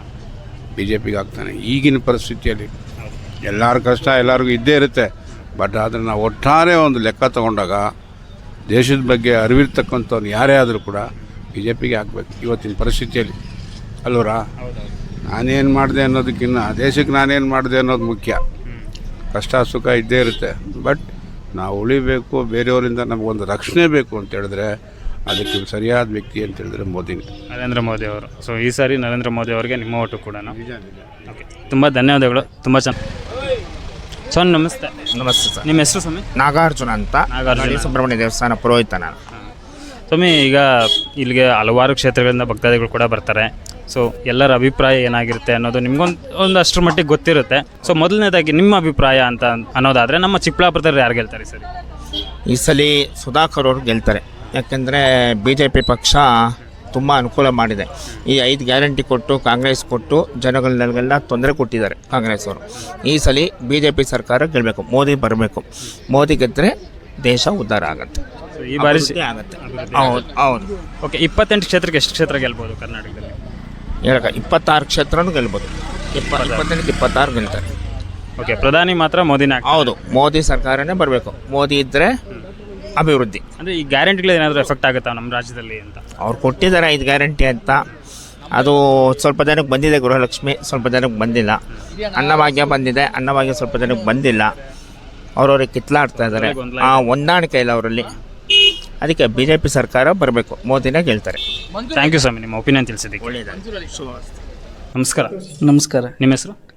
Speaker 4: ಬಿ ಜೆ ಪಿಗೆ ಆಗ್ತಾನೆ ಈಗಿನ ಪರಿಸ್ಥಿತಿಯಲ್ಲಿ. ಎಲ್ಲರ ಕಷ್ಟ ಎಲ್ಲರಿಗೂ ಇದ್ದೇ ಇರುತ್ತೆ. ಬಟ್ ಆದರೆ ನಾವು ಒಟ್ಟಾರೆ ಒಂದು ಲೆಕ್ಕ ತಗೊಂಡಾಗ ದೇಶದ ಬಗ್ಗೆ ಅರಿವಿರ್ತಕ್ಕಂಥವ್ನು ಯಾರೇ ಆದರೂ ಕೂಡ ಬಿ ಜೆ ಪಿಗೆ ಹಾಕ್ಬೇಕು ಇವತ್ತಿನ ಪರಿಸ್ಥಿತಿಯಲ್ಲಿ, ಅಲ್ವರಾ? ನಾನೇನು ಮಾಡಿದೆ ಅನ್ನೋದಕ್ಕಿಂತ ದೇಶಕ್ಕೆ ನಾನೇನು ಮಾಡಿದೆ ಅನ್ನೋದು ಮುಖ್ಯ. ಕಷ್ಟ ಸುಖ ಇದ್ದೇ ಇರುತ್ತೆ. ಬಟ್ ನಾವು ಉಳಿಬೇಕು, ಬೇರೆಯವರಿಂದ ನಮಗೊಂದು ರಕ್ಷಣೆ ಬೇಕು ಅಂತ ಹೇಳಿದ್ರೆ ಅದಕ್ಕೆ ಸರಿಯಾದ ವ್ಯಕ್ತಿ ಅಂತ ಹೇಳಿದ್ರೆ ಮೋದಿನೇ,
Speaker 2: ನರೇಂದ್ರ ಮೋದಿ ಅವರು. ಸೊ ಈ ಸಾರಿ ನರೇಂದ್ರ ಮೋದಿ ಅವರಿಗೆ ನಿಮ್ಮ ಓಟು ಕೂಡ. ಓಕೆ, ತುಂಬ ಧನ್ಯವಾದಗಳು. ತುಂಬ ಚೆನ್ನಾಗಿ. ಸ್ವಾಮಿ ನಮಸ್ತೆ.
Speaker 12: ನಮಸ್ತೆ ಸರ್.
Speaker 2: ನಿಮ್ಮ ಹೆಸರು ಸ್ವಾಮಿ?
Speaker 12: ನಾಗಾರ್ಜುನ ಅಂತ.
Speaker 2: ನಾಗಾರ್ಜುನ
Speaker 12: ಸುಬ್ರಹ್ಮಣ್ಯ ದೇವಸ್ಥಾನ ಪುರೋಹಿತ ನಾನು.
Speaker 2: ಸ್ವಾಮಿ, ಈಗ ಇಲ್ಲಿಗೆ ಹಲವಾರು ಕ್ಷೇತ್ರಗಳಿಂದ ಭಕ್ತಾದಿಗಳು ಕೂಡ ಬರ್ತಾರೆ. ಸೊ ಎಲ್ಲರ ಅಭಿಪ್ರಾಯ ಏನಾಗಿರುತ್ತೆ ಅನ್ನೋದು ನಿಮ್ಗೊಂದು ಒಂದು ಅಷ್ಟರ ಮಟ್ಟಿಗೆ ಗೊತ್ತಿರುತ್ತೆ. ಸೊ ಮೊದಲನೇದಾಗಿ ನಿಮ್ಮ ಅಭಿಪ್ರಾಯ ಅಂತ ಅನ್ನೋದಾದರೆ ನಮ್ಮ ಚಿಕ್ಕಬಳ್ಳಾಪುರದಲ್ಲಿ ಯಾರು ಗೆಲ್ತಾರೆ ಸರಿ?
Speaker 12: ಈ ಸಲ ಸುಧಾಕರ್ ಅವರು ಗೆಲ್ತಾರೆ. ಯಾಕೆಂದರೆ ಬಿ ಜೆ ಪಿ ಪಕ್ಷ ತುಂಬ ಅನುಕೂಲ ಮಾಡಿದೆ. ಈ ಐದು ಗ್ಯಾರಂಟಿ ಕೊಟ್ಟು ಕಾಂಗ್ರೆಸ್ ಕೊಟ್ಟು ಜನಗಳನ್ನೆಲ್ಲ ತೊಂದರೆ ಕೊಟ್ಟಿದ್ದಾರೆ ಕಾಂಗ್ರೆಸ್ ಅವರು. ಈ ಸಲ ಬಿ ಜೆ ಪಿ ಸರ್ಕಾರ ಗೆಲ್ಲಬೇಕು, ಮೋದಿ ಬರಬೇಕು. ಮೋದಿ ಗೆದ್ದರೆ ದೇಶ ಉದ್ಧಾರ ಆಗುತ್ತೆ,
Speaker 2: ಈ ಬಾರಿ
Speaker 12: ಆಗುತ್ತೆ. ಹೌದು ಹೌದು.
Speaker 2: ಓಕೆ, ಇಪ್ಪತ್ತೆಂಟು ಕ್ಷೇತ್ರಕ್ಕೆ ಎಷ್ಟು ಕ್ಷೇತ್ರ ಗೆಲ್ಬೋದು ಕರ್ನಾಟಕದಲ್ಲಿ?
Speaker 12: ಹೇಳಕ ಇಪ್ಪತ್ತಾರು ಕ್ಷೇತ್ರನೂ ಗೆಲ್ಬೋದು. ಇಪ್ಪ ಇಪ್ಪತ್ತೆಂಟು ಇಪ್ಪತ್ತಾರು ಗೆಲ್ತಾರೆ.
Speaker 2: ಓಕೆ, ಪ್ರಧಾನಿ ಮಾತ್ರ ಮೋದಿನೇ?
Speaker 12: ಹೌದು, ಮೋದಿ ಸರ್ಕಾರನೇ ಬರಬೇಕು. ಮೋದಿ ಇದ್ದರೆ ಅಭಿವೃದ್ಧಿ.
Speaker 2: ಅಂದರೆ ಈ ಗ್ಯಾರಂಟಿಗಳು ಏನಾದರೂ ಎಫೆಕ್ಟ್ ಆಗುತ್ತಾ ನಮ್ಮ ರಾಜ್ಯದಲ್ಲಿ ಅಂತ?
Speaker 12: ಅವ್ರು ಕೊಟ್ಟಿದ್ದಾರೆ ಐದು ಗ್ಯಾರಂಟಿ ಅಂತ. ಅದು ಸ್ವಲ್ಪ ಜನಕ್ಕೆ ಬಂದಿದೆ, ಗೃಹಲಕ್ಷ್ಮಿ ಸ್ವಲ್ಪ ಜನಕ್ಕೆ ಬಂದಿಲ್ಲ. ಅನ್ನಭಾಗ್ಯ ಬಂದಿದೆ, ಅನ್ನಭಾಗ್ಯ ಸ್ವಲ್ಪ ಜನಕ್ಕೆ ಬಂದಿಲ್ಲ. ಅವ್ರವ್ರಿಗೆ ಕಿತ್ಲಾಡ್ತಾ ಇದ್ದಾರೆ. ಆ ಹೊಂದಾಣಿಕೆ ಇಲ್ಲ ಅವರಲ್ಲಿ. ಅದಕ್ಕೆ ಬಿ ಜೆ ಪಿ ಸರ್ಕಾರ ಬರಬೇಕು, ಮೋದಿನೇ ಗೆಲ್ತಾರೆ.
Speaker 2: ಥ್ಯಾಂಕ್ ಯು ಸ್ವಾಮಿ, ನಿಮ್ಮ ಒಪಿನಿಯನ್ ತಿಳಿಸಿದ್ದಕ್ಕೆ.
Speaker 12: ಒಳ್ಳೆಯದಾಗಿ.
Speaker 2: ನಮಸ್ಕಾರ.
Speaker 13: ನಮಸ್ಕಾರ.
Speaker 2: ನಿಮ್ಮ ಹೆಸರು?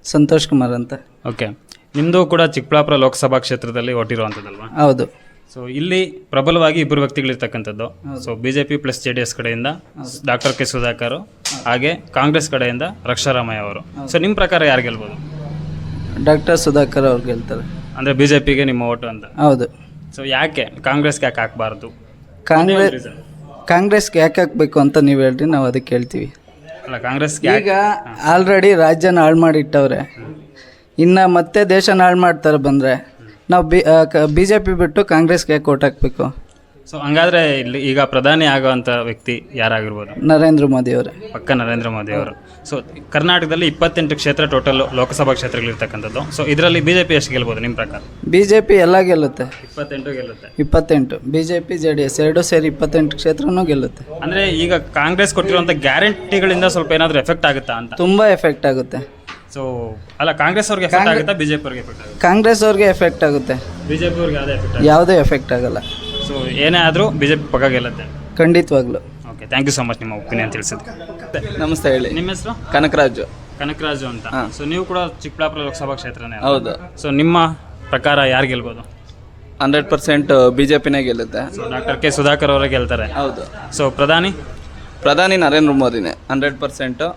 Speaker 13: ಸಂತೋಷ್ ಕುಮಾರ್ ಅಂತ.
Speaker 2: ಓಕೆ, ನಿಮ್ಮದು ಕೂಡ ಚಿಕ್ಕಬಳ್ಳಾಪುರ ಲೋಕಸಭಾ ಕ್ಷೇತ್ರದಲ್ಲಿ ಓಟಿರುವಂಥದ್ದಲ್ವಾ?
Speaker 13: ಹೌದು.
Speaker 2: ಸೊ ಇಲ್ಲಿ ಪ್ರಬಲವಾಗಿ ಇಬ್ಬರು ವ್ಯಕ್ತಿಗಳಿರ್ತಕ್ಕಂಥದ್ದು. So B J P plus J D S ಕಡೆಯಿಂದ ಡಾಕ್ಟರ್ ಕೆ ಸುಧಾಕರ್, ಹಾಗೆ ಕಾಂಗ್ರೆಸ್ ಕಡೆಯಿಂದ ರಕ್ಷಾರಾಮಯ್ಯ ಅವರು. ಸೊ ನಿಮ್ಮ ಪ್ರಕಾರ ಯಾರು ಗೆಲ್ಬೋದು?
Speaker 13: ಡಾಕ್ಟರ್ ಸುಧಾಕರ್ ಅವ್ರು ಗೆಲ್ತಾರೆ.
Speaker 2: ಅಂದರೆ ಬಿ ಜೆ ಪಿಗೆ ನಿಮ್ಮ ಓಟು ಅಂತ?
Speaker 13: ಹೌದು.
Speaker 2: ಸೊ ಯಾಕೆ ಕಾಂಗ್ರೆಸ್ಗೆ ಯಾಕೆ ಹಾಕಬಾರ್ದು?
Speaker 13: ಕಾಂಗ್ರೆಸ್ ಕಾಂಗ್ರೆಸ್ಗೆ ಯಾಕೆ ಹಾಕಬೇಕು ಅಂತ ನೀವು ಹೇಳ್ರಿ, ನಾವು ಅದಕ್ಕೆ ಹೇಳ್ತೀವಿ.
Speaker 2: ಅಲ್ಲ, ಕಾಂಗ್ರೆಸ್
Speaker 13: ಈಗ ಆಲ್ರೆಡಿ ರಾಜ್ಯನ ಹಾಳು ಮಾಡಿಟ್ಟವ್ರೆ, ಇನ್ನು ಮತ್ತೆ ದೇಶನ ಹಾಳು ಮಾಡ್ತಾರೆ ಬಂದರೆ ನಾವು ಬಿ ಬಿ ಜೆ ಪಿ ಬಿಟ್ಟು ಕಾಂಗ್ರೆಸ್ಗೆ ಯಾಕೆ ಓಟ್ ಹಾಕಬೇಕು?
Speaker 2: ಸೊ ಹಂಗಾದ್ರೆ ಇಲ್ಲಿ ಈಗ ಪ್ರಧಾನಿ ಆಗುವಂಥ ವ್ಯಕ್ತಿ ಯಾರಾಗಿರ್ಬೋದು?
Speaker 13: ನರೇಂದ್ರ ಮೋದಿ ಅವರೇ.
Speaker 2: ಪಕ್ಕ ನರೇಂದ್ರ ಮೋದಿ ಅವರು. ಸೊ ಕರ್ನಾಟಕದಲ್ಲಿ ಇಪ್ಪತ್ತೆಂಟು ಕ್ಷೇತ್ರ ಟೋಟಲ್ ಲೋಕಸಭಾ ಕ್ಷೇತ್ರಗಳಿರ್ತಕ್ಕಂಥದ್ದು. ಸೊ ಇದರಲ್ಲಿ ಬಿ ಜೆ ಪಿ ಎಷ್ಟು ಗೆಲ್ಬೋದು ನಿಮ್ಮ ಪ್ರಕಾರ?
Speaker 13: ಬಿ ಜೆ ಪಿ ಎಲ್ಲ ಗೆಲ್ಲುತ್ತೆ.
Speaker 2: ಇಪ್ಪತ್ತೆಂಟು ಗೆಲ್ಲುತ್ತೆ.
Speaker 13: ಇಪ್ಪತ್ತೆಂಟು B J P J D S ಎರಡು ಸೇರಿ ಇಪ್ಪತ್ತೆಂಟು ಕ್ಷೇತ್ರನೂ ಗೆಲ್ಲುತ್ತೆ.
Speaker 2: ಅಂದರೆ ಈಗ ಕಾಂಗ್ರೆಸ್ ಕೊಟ್ಟಿರುವಂಥ ಗ್ಯಾರಂಟಿಗಳಿಂದ ಸ್ವಲ್ಪ ಏನಾದರೂ ಎಫೆಕ್ಟ್ ಆಗುತ್ತಾ ಅಂತ?
Speaker 13: ತುಂಬ ಎಫೆಕ್ಟ್ ಆಗುತ್ತೆ.
Speaker 2: ಸೊ ಅಲ್ಲ, ಕಾಂಗ್ರೆಸ್ ಅವ್ರಿಗೆ ಎಫೆಕ್ಟ್ ಆಗುತ್ತಾ, ಬಿ ಜೆ ಪಿ ಅವ್ರಿಗೆ ಎಫೆಕ್ಟ್ ಆಗುತ್ತೆ?
Speaker 13: ಕಾಂಗ್ರೆಸ್ ಅವ್ರಿಗೆ ಎಫೆಕ್ಟ್ ಆಗುತ್ತೆ,
Speaker 2: ಬಿ ಜೆ ಪಿ ಅವ್ರಿಗೆ ಯಾವುದೇ ಎಫೆಕ್ಟ್
Speaker 13: ಯಾವುದೇ ಎಫೆಕ್ಟ್ ಆಗಲ್ಲ.
Speaker 2: ಸೊ ಏನೇ ಆದರೂ ಬಿ ಜೆ ಪಿ ಪಕ್ಕ ಗೆಲ್ಲುತ್ತೆ.
Speaker 13: ಖಂಡಿತವಾಗ್ಲು.
Speaker 2: Okay, thank you so much ನಿಮ್ಮ ಒಪಿನಿಯನ್ ತಿಳಿಸಿದ್ದೆ.
Speaker 8: ನಮಸ್ತೆ, ಹೇಳಿ.
Speaker 2: ನಿಮ್ಮ ಹೆಸರು?
Speaker 8: ಕನಕರಾಜು.
Speaker 2: ಕನಕರಾಜು ಅಂತ. ಸೊ ನೀವು ಕೂಡ ಚಿಕ್ಕಬಳ್ಳಾಪುರ ಲೋಕಸಭಾ ಕ್ಷೇತ್ರನೇ?
Speaker 8: ಹೌದು.
Speaker 2: ಸೊ ನಿಮ್ಮ ಪ್ರಕಾರ ಯಾರು ಗೆಲ್ಬೋದು?
Speaker 8: ಹಂಡ್ರೆಡ್ ಪರ್ಸೆಂಟ್ ಬಿ ಜೆ ಪಿನೇ ಗೆಲ್ಲುತ್ತೆ.
Speaker 2: ಸೊ ಡಾಕ್ಟರ್ ಕೆ ಸುಧಾಕರ್ ಅವರೇ ಗೆಲ್ತಾರೆ?
Speaker 8: ಹೌದು.
Speaker 2: ಸೊ ಪ್ರಧಾನಿ?
Speaker 8: ಪ್ರಧಾನಿ ನರೇಂದ್ರ ಮೋದಿನೇ hundred percent.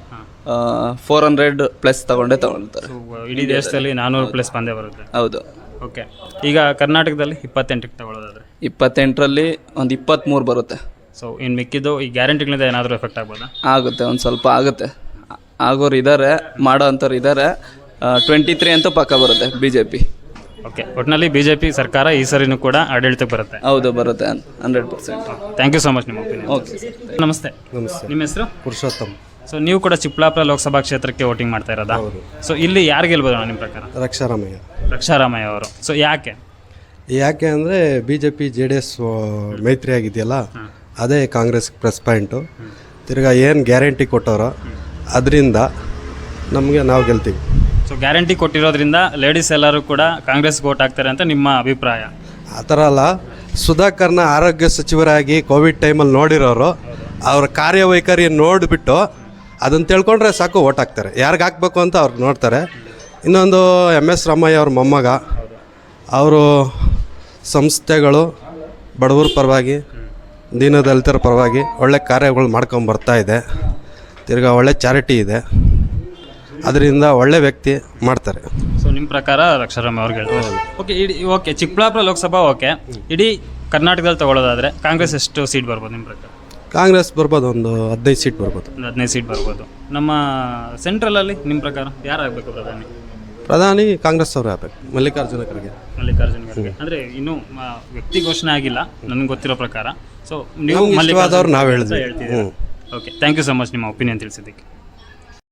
Speaker 8: Four hundred plus ತಗೊಂಡೇ ತಗೊಳ್ತಾರೆ.
Speaker 2: ಇಡೀ ದೇಶದಲ್ಲಿ ನಾನ್ನೂರು ಪ್ಲಸ್ ಬಂದೇ ಬರುತ್ತೆ?
Speaker 8: ಹೌದು.
Speaker 2: ಓಕೆ, ಈಗ ಕರ್ನಾಟಕದಲ್ಲಿ ಇಪ್ಪತ್ತೆಂಟಕ್ಕೆ ತಗೊಳ್ಳೋದಾದ್ರೆ?
Speaker 8: ಇಪ್ಪತ್ತೆಂಟರಲ್ಲಿ ಒಂದು ಇಪ್ಪತ್ತ್ಮೂರು ಬರುತ್ತೆ.
Speaker 2: ಸೊ ಇನ್ನು ಮಿಕ್ಕಿದ್ದು ಈ ಗ್ಯಾರಂಟಿಗಳಿಂದ ಏನಾದರೂ ಎಫೆಕ್ಟ್ ಆಗ್ಬೋದಾ?
Speaker 8: ಆಗುತ್ತೆ, ಒಂದು ಸ್ವಲ್ಪ ಆಗುತ್ತೆ. ಆಗೋರು ಇದ್ದಾರೆ, ಮಾಡೋ ಅಂಥವ್ರು ಇದ್ದಾರೆ. ಟ್ವೆಂಟಿ ತ್ರೀ ಅಂತೂ ಪಕ್ಕ ಬರುತ್ತೆ ಬಿ ಜೆ ಪಿ.
Speaker 2: ಓಕೆ, ಒಟ್ಟಿನಲ್ಲಿ ಬಿ ಜೆ ಪಿ ಸರ್ಕಾರ ಈ ಸರಿನೂ ಕೂಡ ಆಡಳಿತಕ್ಕೆ ಬರುತ್ತೆ?
Speaker 8: ಹೌದು, ಬರುತ್ತೆ hundred percent.
Speaker 2: Thank you so much ನಿಮ್ಮ ಒಪಿನಿಯನ್.
Speaker 8: ಓಕೆ,
Speaker 2: ನಮಸ್ತೆ.
Speaker 3: ನಮಸ್ತೆ.
Speaker 2: ನಿಮ್ಮ ಹೆಸರು?
Speaker 3: ಪುರುಷೋತ್ತಮ್.
Speaker 2: ಸೊ ನೀವು ಕೂಡ ಚಿಕ್ಕಬಳ್ಳಾಪುರ ಲೋಕಸಭಾ ಕ್ಷೇತ್ರಕ್ಕೆ ವೋಟಿಂಗ್ ಮಾಡ್ತಾ ಇರೋದಾ? ಸೊ ಇಲ್ಲಿ ಯಾರು ಗೆಲ್ಬೋದು ನಿಮ್ಮ ಪ್ರಕಾರ?
Speaker 3: ರಕ್ಷಾರಾಮಯ್ಯ.
Speaker 2: ರಕ್ಷಾರಾಮಯ್ಯ ಅವರು. ಸೊ ಯಾಕೆ?
Speaker 3: ಯಾಕೆ ಅಂದರೆ B J P J D S ಮೈತ್ರಿ ಆಗಿದೆಯಲ್ಲ, ಅದೇ ಕಾಂಗ್ರೆಸ್ ಪ್ಲಸ್ ಪಾಯಿಂಟು. ತಿರ್ಗಾ ಏನು ಗ್ಯಾರಂಟಿ ಕೊಟ್ಟವರೋ ಅದರಿಂದ ನಮಗೆ ನಾವು ಗೆಲ್ತೀವಿ.
Speaker 2: ಸೊ ಗ್ಯಾರಂಟಿ ಕೊಟ್ಟಿರೋದ್ರಿಂದ ಲೇಡೀಸ್ ಎಲ್ಲರೂ ಕೂಡ ಕಾಂಗ್ರೆಸ್ಗೆ ವೋಟ್ ಹಾಕ್ತಾರೆ ಅಂತ ನಿಮ್ಮ ಅಭಿಪ್ರಾಯ?
Speaker 3: ಆ ಥರ ಅಲ್ಲ, ಸುಧಾಕರ್ನ ಆರೋಗ್ಯ ಸಚಿವರಾಗಿ ಕೋವಿಡ್ ಟೈಮಲ್ಲಿ ನೋಡಿರೋರು ಅವ್ರ ಕಾರ್ಯವೈಖರಿ ನೋಡಿಬಿಟ್ಟು ಅದನ್ನು ತಿಳ್ಕೊಂಡ್ರೆ ಸಾಕು ಓಟ್ ಹಾಕ್ತಾರೆ. ಯಾರಿಗೆ ಹಾಕ್ಬೇಕು ಅಂತ ಅವ್ರು ನೋಡ್ತಾರೆ. ಇನ್ನೊಂದು ಎಮ್ ಎಸ್ ರಾಮಯ್ಯ ಅವ್ರ ಮೊಮ್ಮಗ, ಅವರು ಸಂಸ್ಥೆಗಳು ಬಡವರ ಪರವಾಗಿ, ದೀನದಲಿತರ ಪರವಾಗಿ ಒಳ್ಳೆ ಕಾರ್ಯಗಳು ಮಾಡ್ಕೊಂಬರ್ತಾ ಇದೆ. ತಿರ್ಗಾ ಒಳ್ಳೆ ಚಾರಿಟಿ ಇದೆ, ಅದರಿಂದ ಒಳ್ಳೆ ವ್ಯಕ್ತಿ ಮಾಡ್ತಾರೆ.
Speaker 2: ಸೊ ನಿಮ್ಮ ಪ್ರಕಾರ ರಕ್ಷಾರಾಮಯ್ಯ ಅವ್ರಿಗೆ ಹೇಳ್ತಾರೆ? ಓಕೆ, ಇಡೀ ಓಕೆ ಚಿಕ್ಕಬಳ್ಳಾಪುರ ಲೋಕಸಭಾ ಓಕೆ, ಇಡೀ ಕರ್ನಾಟಕದಲ್ಲಿ ತಗೊಳ್ಳೋದಾದರೆ ಕಾಂಗ್ರೆಸ್ ಎಷ್ಟು ಸೀಟ್ ಬರ್ಬೋದು ನಿಮ್ಮ ಪ್ರಕಾರ?
Speaker 3: ಕಾಂಗ್ರೆಸ್ ಬರ್ಬೋದು, ಒಂದು ಹದಿನೈದು ಸೀಟ್ ಬರ್ಬೋದು.
Speaker 2: ಒಂದು ಹದಿನೈದು ಸೀಟ್ ಬರ್ಬೋದು. ನಮ್ಮ ಸೆಂಟ್ರಲಲ್ಲಿ ನಿಮ್ಮ ಪ್ರಕಾರ ಯಾರಾಗಬೇಕು ಪ್ರಧಾನಿ?
Speaker 3: ಪ್ರಧಾನಿ ಕಾಂಗ್ರೆಸ್ ಅವರೇ ಆಗಬೇಕು, ಮಲ್ಲಿಕಾರ್ಜುನ ಖರ್ಗೆ.
Speaker 2: ಮಲ್ಲಿಕಾರ್ಜುನ ಖರ್ಗೆ ಅಂದರೆ ಇನ್ನೂ ವ್ಯಕ್ತಿ ಘೋಷಣೆ ಆಗಿಲ್ಲ ನನಗೆ ಗೊತ್ತಿರೋ ಪ್ರಕಾರ. ಸೊ ನೀವು
Speaker 3: ಇಷ್ಟವಾದವ್ರು ನಾವು ಹೇಳಿದ್ವಿ.
Speaker 2: ಹೇಳ್ತೀವಿ. Okay, thank you so much ನಿಮ್ಮ ಒಪಿನಿಯನ್ ತಿಳಿಸಿದ್ದಕ್ಕೆ.